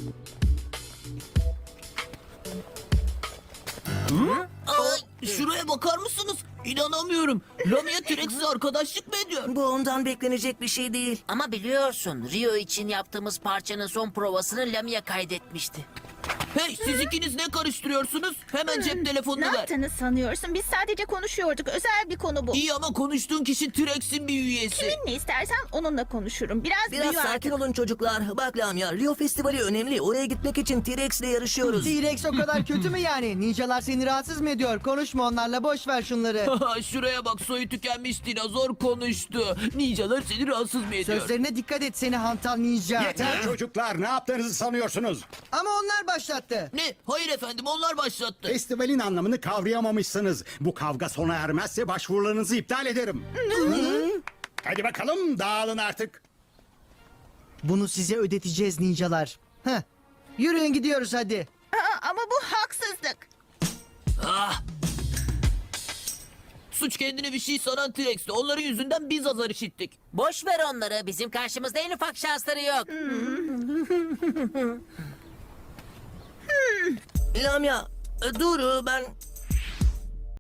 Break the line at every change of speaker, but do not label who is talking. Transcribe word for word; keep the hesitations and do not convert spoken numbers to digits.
Aa, şuraya bakar mısınız? İnanamıyorum. Lamia T-Rex'le arkadaşlık mı ediyor?
Bu ondan beklenecek bir şey değil.
Ama biliyorsun Rio için yaptığımız parçanın son provasını Lamia kaydetmişti.
Hey, siz ikiniz ne karıştırıyorsunuz? Hemen cep telefonunu
Ne
ver.
yaptığını sanıyorsun? Biz sadece konuşuyorduk. Özel bir konu bu.
İyi ama konuştuğun kişi T-Rex'in bir üyesi.
Kiminle istersen onunla konuşurum. Biraz,
Biraz
büyü
sakin
artık.
olun çocuklar. Bak Lamia, Rio Festivali önemli. Oraya gitmek için T-Rex'le yarışıyoruz.
T-Rex o kadar kötü mü yani? Ninjalar seni rahatsız mı ediyor? Konuşma onlarla, boş ver şunları.
Şuraya bak, soyu tükenmiş dinozor konuştu. Ninjalar seni rahatsız mı ediyor?
Sözlerine dikkat et seni hantal ninja.
Yeter çocuklar, ne yaptığınızı sanıyorsunuz?
Ama onlar başlattı.
Ne? Hayır efendim, onlar başlattı.
Festivalin anlamını kavrayamamışsınız. Bu kavga sona ermezse başvurularınızı iptal ederim. Hadi bakalım, dağılın artık.
Bunu size ödeteceğiz ninjalar. Heh. Yürüyün gidiyoruz hadi.
Aa, ama bu haksızlık.
Ah! Suç kendine bir şey sanan T-Rex'ti. Onların yüzünden biz azar işittik.
Boş ver onları. Bizim karşımızda en ufak şansları yok.
Lamia, e, dur ben